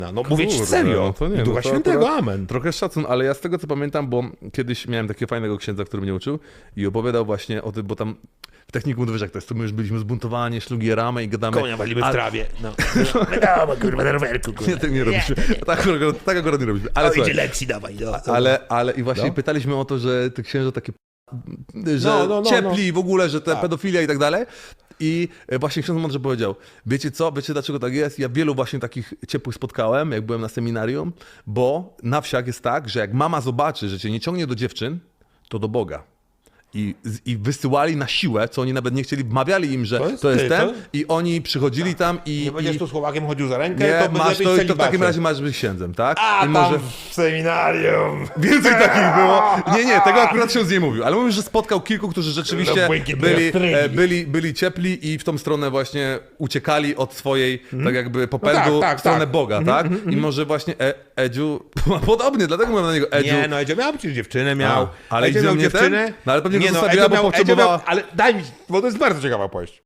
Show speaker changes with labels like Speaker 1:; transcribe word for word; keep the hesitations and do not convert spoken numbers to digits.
Speaker 1: No, no mówię ci
Speaker 2: Kurde,
Speaker 1: serio.
Speaker 2: no to nie,
Speaker 1: I Ducha
Speaker 2: no to
Speaker 1: Świętego,
Speaker 2: akurat
Speaker 1: amen.
Speaker 2: Trochę szacun, ale ja z tego co pamiętam, bo kiedyś miałem takiego fajnego księdza, który mnie uczył i opowiadał właśnie o tym, bo tam w technikum, wiesz jak to jest, to my już byliśmy zbuntowani, szlugieramy i gadamy.
Speaker 1: Konia walimy w
Speaker 2: ale-
Speaker 1: trawie. No. Wiadomo, kurwa, na rowerku, kurwa.
Speaker 2: Nie, tak nie robiliśmy. Tak akurat, tak akurat nie robiliśmy. Ale,
Speaker 1: Ale
Speaker 2: słuchaj,
Speaker 1: idzie lekcji, dawaj. No.
Speaker 2: ale, ale i właśnie
Speaker 1: No.
Speaker 2: pytaliśmy o to, że te księża takie, że
Speaker 1: No, no, no,
Speaker 2: ciepli w ogóle, że te
Speaker 1: Tak.
Speaker 2: pedofilia i tak dalej. I właśnie ksiądz mądrze powiedział, wiecie co, wiecie dlaczego tak jest? Ja wielu właśnie takich ciepłych spotkałem, jak byłem na seminarium, bo na wsiach jest tak, że jak mama zobaczy, że cię nie ciągnie do dziewczyn, to do Boga. I, I wysyłali na siłę, co oni nawet nie chcieli, wmawiali im, że
Speaker 1: To
Speaker 2: to
Speaker 1: jest
Speaker 2: jest,
Speaker 1: ty,
Speaker 2: ten
Speaker 1: to-
Speaker 2: i oni przychodzili tam i...
Speaker 1: Nie będziesz
Speaker 2: i
Speaker 1: tu z chłopakiem chodził za rękę,
Speaker 2: nie,
Speaker 1: to
Speaker 2: masz
Speaker 1: lepiej
Speaker 2: to,
Speaker 1: w
Speaker 2: to w takim
Speaker 1: celibacie.
Speaker 2: razie masz być księdzem, tak?
Speaker 1: A,
Speaker 2: I
Speaker 1: tam w seminarium.
Speaker 2: Więcej takich było. Nie, nie, tego akurat ksiądz nie mówił, ale mówił, że spotkał kilku, którzy rzeczywiście
Speaker 1: No, błękitne
Speaker 2: byli,
Speaker 1: ostrygi.
Speaker 2: e, byli, byli ciepli i w tą stronę właśnie uciekali od swojej, tak jakby popędu
Speaker 1: tak, tak,
Speaker 2: w stronę
Speaker 1: tak.
Speaker 2: Boga, tak? I może właśnie e, Edziu, podobnie, dlatego mówię na niego Edziu.
Speaker 1: Nie, no Edzio miał przecież dziewczynę, miał.
Speaker 2: A, ale
Speaker 1: Edzio
Speaker 2: Edzio
Speaker 1: miał
Speaker 2: nie
Speaker 1: dziewczynę.
Speaker 2: ten? No, ale pewnie go
Speaker 1: nie, no,
Speaker 2: zostawiła,
Speaker 1: Edzio
Speaker 2: bo
Speaker 1: miał, Edzio
Speaker 2: potrzebowała-
Speaker 1: miał, ale daj mi, bo to jest bardzo ciekawa opowieść.